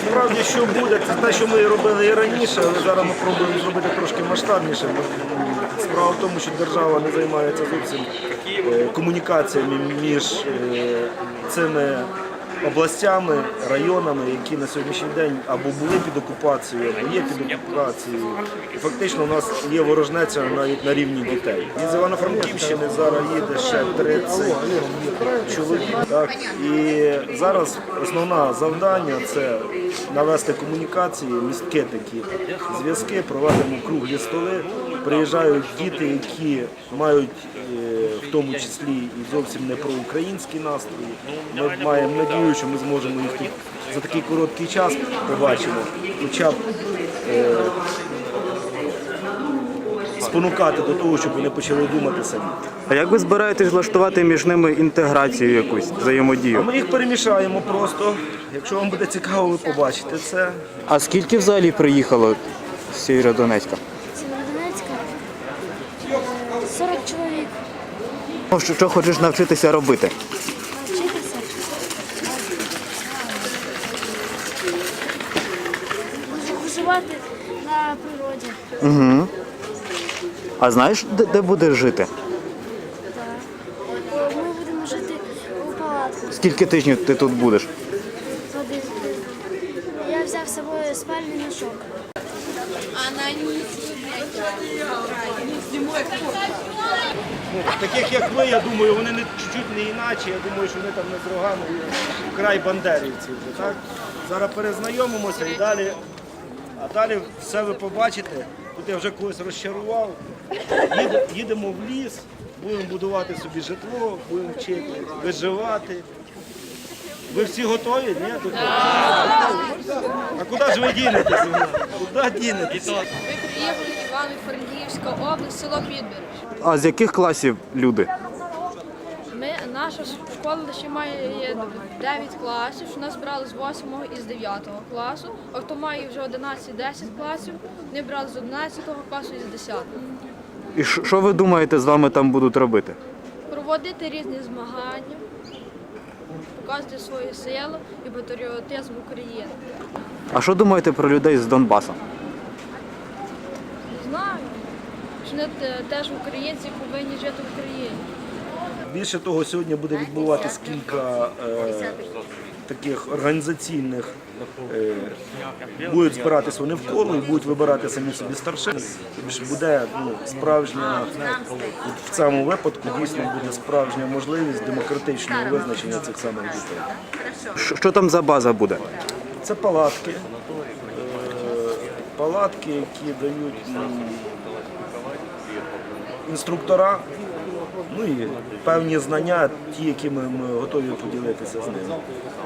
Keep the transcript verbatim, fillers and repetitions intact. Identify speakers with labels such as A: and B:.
A: насправді що буде, це те, що ми робили і раніше, але зараз ми пробуємо зробити трошки масштабніше. Справа в тому, що держава не займається зовсім е, комунікаціями між е, цими областями, районами, які на сьогоднішній день або були під окупацією, або є під окупацією. І фактично у нас є ворожнеча навіть на рівні дітей. Із Івано-Франківщини зараз їде ще тридцять чоловік. Так? І зараз основне завдання – це навести комунікації, містки такі, зв'язки, проведемо круглі столи. Приїжджають діти, які мають в тому числі і зовсім не проукраїнські настрої. Ми маємо надію, що ми зможемо їх тут за такий короткий час побачимо, хоча б е, спонукати до того, щоб вони почали думати самі.
B: А як ви збираєтесь влаштувати між ними інтеграцію якусь, взаємодію?
A: Ми їх перемішаємо просто. Якщо вам буде цікаво, ви побачите це.
B: А скільки взагалі приїхало з Сєвєродонецька?
C: Сєвєродонецька сорок чоловік.
B: Ну, Що, що хочеш навчитися робити?
C: Навчитися. Виживати на природі.
B: Угу. А знаєш, де, де будеш жити?
C: Так. Ми будемо жити у палатках.
B: Скільки тижнів ти тут будеш?
C: Один. Я взяв з собою спальний мішок.
A: Ну, таких як ви, я думаю, вони не чуть-чуть не іначе. Я думаю, що вони там не з рогами край бандерівців. Так? Зараз перезнайомимося і далі. А далі все ви побачите. Тут я вже когось розчарував. Їде, їдемо в ліс, будемо будувати собі житло, будемо вчити виживати. Ви всі готові? Ні? Тут... А куди ж ви дінетеся? Куди дінетеся?
D: Ми приїхали в Івано-Франківська область, село Підбереш.
B: А з яких класів люди?
D: Ми, наша школа ще має дев'ять класів, що нас брали з восьмого і з дев'ятого класу. А хто має вже одинадцять-десять класів, вони брали з одинадцятого класу і з десятого.
B: І що що ви думаєте, з вами там будуть робити?
D: Проводити різні змагання, показувати свою силу і патріотизм України.
B: А що думаєте про людей з Донбасу?
D: Не знаю, що вони те- теж українці повинні жити в Україні.
A: Більше того, сьогодні буде відбуватись кілька е, таких організаційних, е, будуть збиратись вони в коло і будуть вибирати самі собі старшин. Тобто буде ну, справжня, от в цьому випадку дійсно буде справжня можливість демократичного визначення цих самих дітей.
B: Що, що там за база буде?
A: Це палатки, е, палатки, які дають м, інструктора, ну і певні знання, ті, якими ми готові поділитися з ними.